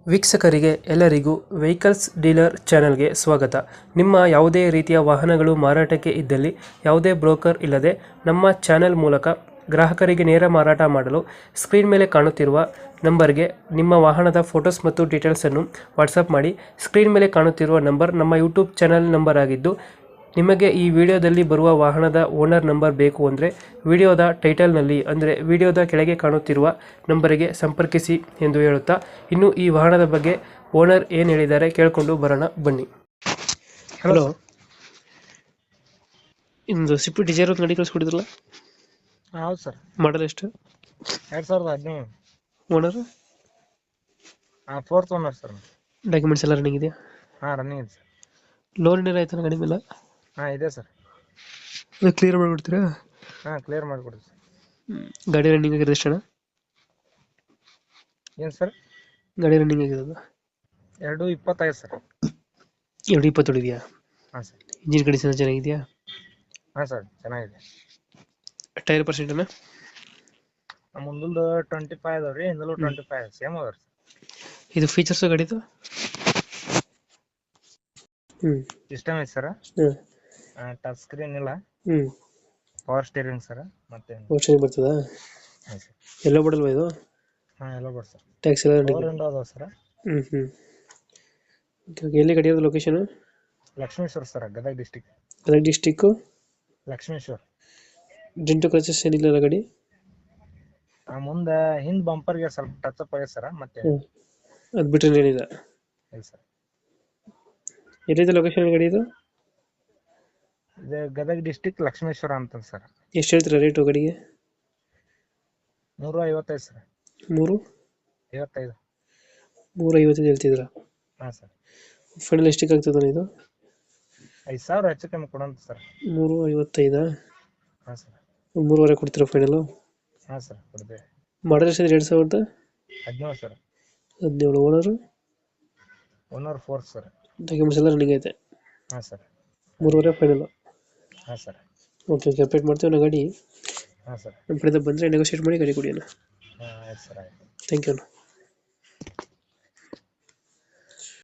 ವೀಕ್ಷಕರಿಗೆ ಎಲ್ಲರಿಗೂ vehicles dealer ಚಾನೆಲ್ಗೆ ಸ್ವಾಗತ. ನಿಮ್ಮ ಯಾವುದೇ ರೀತಿಯ ವಾಹನಗಳು ಮಾರಾಟಕ್ಕೆ ಇದ್ದಲ್ಲಿ ಯಾವುದೇ ಬ್ರೋಕರ್ ಇಲ್ಲದೆ ನಮ್ಮ ಚಾನೆಲ್ ಮೂಲಕ ಗ್ರಾಹಕರಿಗೆ ನೇರ ಮಾರಾಟ ಮಾಡಲು ಸ್ಕ್ರೀನ್ ಮೇಲೆ ಕಾಣುತ್ತಿರುವ ನಂಬರ್ಗೆ ನಿಮ್ಮ ವಾಹನದ ಫೋಟೋಸ್ ಮತ್ತು ಡೀಟೇಲ್ಸನ್ನು ವಾಟ್ಸಪ್ ಮಾಡಿ. ಸ್ಕ್ರೀನ್ ಮೇಲೆ ಕಾಣುತ್ತಿರುವ ನಂಬರ್ ನಮ್ಮ ಯೂಟ್ಯೂಬ್ ಚಾನೆಲ್ ನಂಬರ್ ಆಗಿದ್ದು, ನಿಮಗೆ ಈ ವಿಡಿಯೋದಲ್ಲಿ ಬರುವ ವಾಹನದ ಓನರ್ ನಂಬರ್ ಬೇಕು ಅಂದರೆ ವಿಡಿಯೋದ ಟೈಟಲ್ನಲ್ಲಿ ಅಂದರೆ ವಿಡಿಯೋದ ಕೆಳಗೆ ಕಾಣುತ್ತಿರುವ ನಂಬರಿಗೆ ಸಂಪರ್ಕಿಸಿ ಎಂದು ಹೇಳುತ್ತಾ, ಇನ್ನು ಈ ವಾಹನದ ಬಗ್ಗೆ ಓನರ್ ಏನು ಹೇಳಿದ್ದಾರೆ ಕೇಳಿಕೊಂಡು ಬರೋಣ ಬನ್ನಿ. ಹಲೋ, ಇಂದು ಸ್ವಿಫ್ಟ್ ಡಿಸೈರ್ ಒಂದು ಗಾಡಿ ಕಳಿಸ್ಕೊಟ್ಟಿದ್ರಲ್ಲ, ಹೌದು ಸರ್. ಮಾಡಲ್ ಎಷ್ಟು? 2017 owner? Fourth owner sir. Documents ಎಲ್ಲ ರನ್ನಿಂಗ್ ಇದೆಯಾ? ರನ್ನಿಂಗ್ ಇದೆ ಸರ್. ಲೋನ್ ಏನಾರ ಆಯ್ತಾನ ಗಾಡಿ ಮೇಲೆ? ಇದೆ ಸರ್. ಅದು ಕ್ಲಿಯರ್ ಮಾಡಿಬಿಡ್ತೀರಾ? ಕ್ಲಿಯರ್ ಮಾಡಿಕೊಡಿ ಸರ್. ಗಾಡಿ ರನ್ನಿಂಗ್ ಆಗಿರೋದು ಎಷ್ಟು ಅಣ್ಣ? ಏನು ಸರ್? ಗಾಡಿ ರನ್ನಿಂಗ್ ಆಗಿರೋದು 2:25 ಸರ್. 2:20 ಇದೆಯಾ? ಹಾಂ ಸರ್. ಇಂಜಿನ್ ಕಂಡೀಷನ್ ಚೆನ್ನಾಗಿದೆಯಾ? ಹಾಂ ಸರ್, ಚೆನ್ನಾಗಿದೆ. ಟೈರ್ ಪರ್ಸೆಂಟ್ ಅಣ್ಣ? ಮುಂದಲ್ದು 25 ಅದಾವ ರೀ, ಹಿಂದಲೂ 25 ಸೇಮ್ ಅದಾವ ರೀ. ಇದು ಫೀಚರ್ಸ್ ಗಾಡಿದು? ಸಿಸ್ಟಮ್ ಐತೆ ಸರ್. ಹ್ಞೂ ಟಚ್ ಸ್ಕ್ರೀನ್ ಇಲ್ಲ. ಹ್ಞೂ ಪವರ್ ಸ್ಟೀರಿಂಗ್ ಸರ್. ಮತ್ತೆ ಓಪ್ಷನ್ ಬರ್ತದಾ? ಹಾಂ ಸರ್. ಎಲ್ಲೋ ಮಾಡಲ್ವಾ ಇದು? ಎಲ್ಲ ಬರ್ ಸರ್. ಟ್ಯಾಕ್ಸ್ ಎಲ್ಲ ಪವರ್ ವಿಂಡೋ ಅದಾವ ಸರ್. ಎಲ್ಲಿ ಗಾಡಿ ಇರೋದು location? Lakshmeshwar sir, Gadag district. Gadag district Lakshmeshwar. Dent scratches ಏನಿಲ್ಲ ಗಾಡಿ? ಮುಂದೆ ಹಿಂದ್ ಬಂಪರ್ಗೆ ಸ್ವಲ್ಪ ಟಚ್ ಅಪ್ ಆಗಿದೆ ಸರ್. ಮತ್ತೆ ಅದು ಬಿಟ್ಟರೆ ಏನಿಲ್ಲ? ಇಲ್ಲ ಸರ್. ಎಲ್ಲಿದೆ ಲೊಕೇಶನ್ ಗಾಡಿ ಇದು? ಇದು ಗದಗ ಡಿಸ್ಟಿಕ್ ಲಕ್ಷ್ಮೇಶ್ವರ ಅಂತ ಸರ್. ಎಷ್ಟು ಹೇಳ್ತೀರಾ ರೇಟು ಗಾಡಿಗೆ? 355 ಸರ್. 355 55 ಹೇಳ್ತಿದ್ದೀರಾ? ಹಾಂ ಸರ್. ಫೈನಲ್ ಎಷ್ಟಕ್ಕೆ ಆಗ್ತದೆ ಇದು? 5,000 ಹೆಚ್ಚು ಕಮ್ಮಿ ಕೊಡೋಂತ ಸರ್. 355? ಹಾಂ ಸರ್. 3.5 ಕೊಡ್ತೀರಾ ಫೈನಲು? ಹಾಂ ಸರ್, ಕೊಡ್ತೇವೆ. ಮಾಡಲ್ ಎಷ್ಟು? 2017 sir. 17. Owner? Owner 4 sir. Documents ಎಲ್ಲ ರನ್ನಿಂಗ್ ಐತೆ? ಹಾಂ ಸರ್. 3.5 ಫೈನಲ್? ಹಾಂ ಸರ್. ಓಕೆ, ಅಪ್ಡೇಟ್ ಮಾಡ್ತೀವಿ ನಾ ಗಾಡಿ. ಹಾಂ ಸರ್. ನಮ್ಮ ಕಡೆಯಿಂದ ಬಂದರೆ ನೆಗೋಷಿಯೇಟ್ ಮಾಡಿ ಗಾಡಿ ಕೊಡಿ ಅಣ್ಣ. ಆಯ್ತು ಸರ್, ಆಯ್ತು. ಥ್ಯಾಂಕ್ ಯು ಅಣ್ಣ.